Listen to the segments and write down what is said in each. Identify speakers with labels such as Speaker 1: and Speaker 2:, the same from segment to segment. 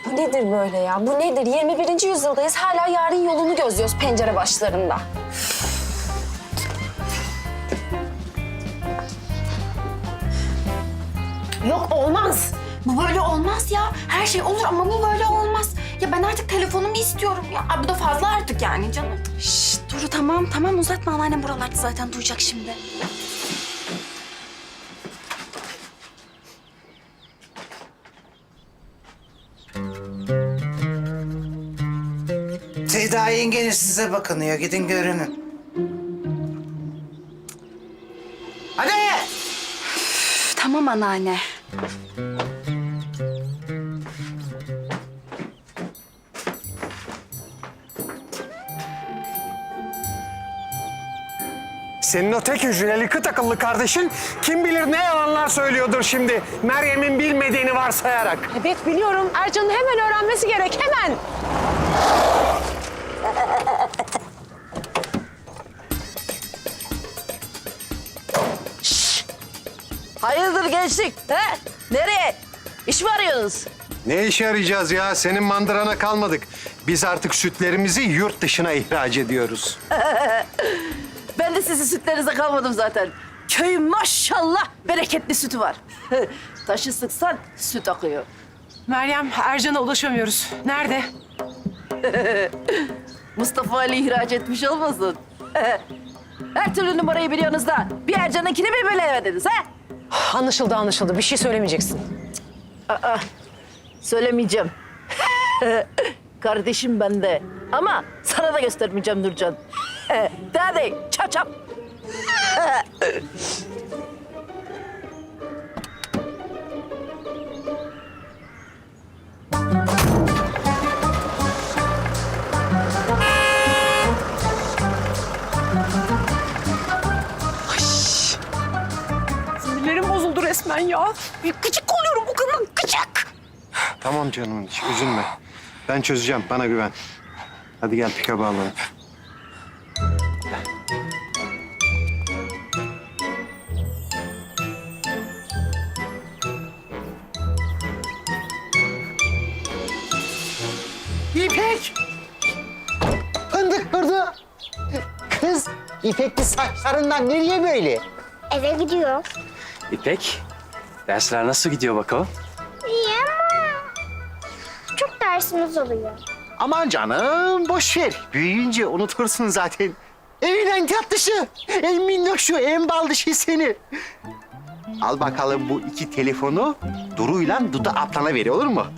Speaker 1: Bu nedir böyle ya? Bu nedir? 21. yüzyıldayız. Hala yarın yolunu gözlüyoruz pencere başlarında.
Speaker 2: Yok olmaz. Bu böyle olmaz ya. Her şey olur ama bu böyle olmaz. Ya ben artık telefonumu istiyorum ya. Ay, bu da fazla artık yani canım.
Speaker 1: Şşt Duru tamam uzatma. Anneannem buralarda zaten duyacak şimdi.
Speaker 3: Ceyda yengeniz size bakınıyor. Gidin görünün. Hadi!
Speaker 1: Tamam anneanne.
Speaker 4: Senin o tek hücreli kıt akıllı kardeşin kim bilir ne yalanlar söylüyordur şimdi Meryem'in bilmediğini varsayarak.
Speaker 5: Evet biliyorum. Ercan'ın hemen öğrenmesi gerek, hemen.
Speaker 6: Hayırdır gençlik? He? Nereye? İş mi arıyorsunuz?
Speaker 4: Ne işe arayacağız ya? Senin mandırana kalmadık. Biz artık sütlerimizi yurt dışına ihraç ediyoruz.
Speaker 6: Ben de sizin sütlerinize kalmadım zaten. Köyün maşallah bereketli sütü var. Taşı sıksan süt akıyor.
Speaker 5: Meryem, Ercan'a ulaşamıyoruz. Nerede?
Speaker 6: Mustafa Ali ihraç etmiş olmasın? Her türlü numarayı biliyorsunuz da bir Ercan'ınkini mi bilemediniz ha?
Speaker 5: Anlaşıldı. Bir şey söylemeyeceksin.
Speaker 6: Söylemeyeceğim. Kardeşim bende. Ama sana da göstermeyeceğim Nurcan. Hadi çap çap.
Speaker 5: Sinirlerim bozuldu resmen ya. Bir gıcık oluyorum bu kadının, gıcık.
Speaker 4: Tamam canım hiç üzülme. Ben çözeceğim, bana güven. Hadi gel pikabı alalım.
Speaker 7: İpek! Fındık burada. Kız, İpekli saçlarından nereye böyle?
Speaker 8: Eve gidiyor.
Speaker 9: İpek, dersler nasıl gidiyor bakalım?
Speaker 8: İyi ama çok dersimiz oluyor.
Speaker 7: Aman canım, boş ver. Büyüyünce unutursun zaten. En tatlısı, en minnoşu, en bal dışı seni. Al bakalım bu iki telefonu Duru'yla Duda ablana ver, olur mu?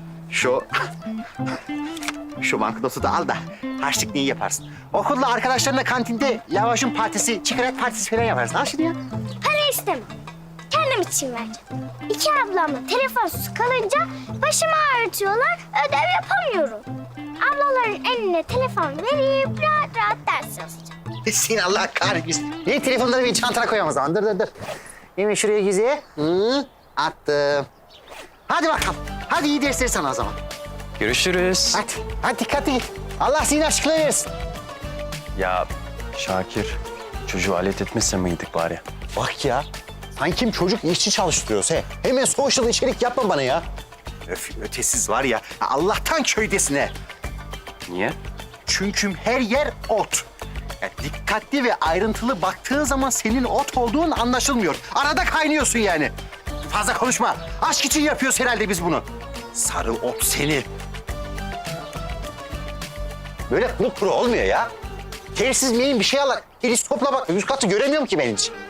Speaker 7: Şu banknotu da al da harçlık yaparsın. Okulda arkadaşlarınla kantinde lavaşın partisi, çikolat partisi falan yaparsın. Al şunu ya.
Speaker 8: Para istemem. Kendim için vereceğim. İki ablamla telefonsuz kalınca başımı ağrıtıyorlar, ödev yapamıyorum. Ablaların eline telefon verip rahat rahat ders yazacağım.
Speaker 7: Seni Allah kahretmesin. Ne telefonları bir çantana koyalım o zaman. Dur. Hemen şuraya güzel. Attım. Hadi bakalım. Hadi iyi dersler sana o zaman.
Speaker 9: Görüşürüz.
Speaker 7: Hadi dikkatli git. Allah senin aşkına versin.
Speaker 9: Ya Şakir, çocuğu alet etmese miydik bari?
Speaker 7: Bak ya. Sanki çocuk işçi çalıştırıyorsa. Hemen social içerik yapma bana ya. Ötesiz var ya. Allah'tan köydesin he.
Speaker 9: Niye?
Speaker 7: Çünkü her yer ot. Ya dikkatli ve ayrıntılı baktığın zaman senin ot olduğun anlaşılmıyor. Arada kaynıyorsun yani. Fazla konuşma. Aşk için yapıyoruz herhalde biz bunu. Sarı ot seni. Böyle kuru olmuyor ya. Telsiz miyim bir şey al. Teleskopla bak. Üst katı göremiyorum ki ben hiç.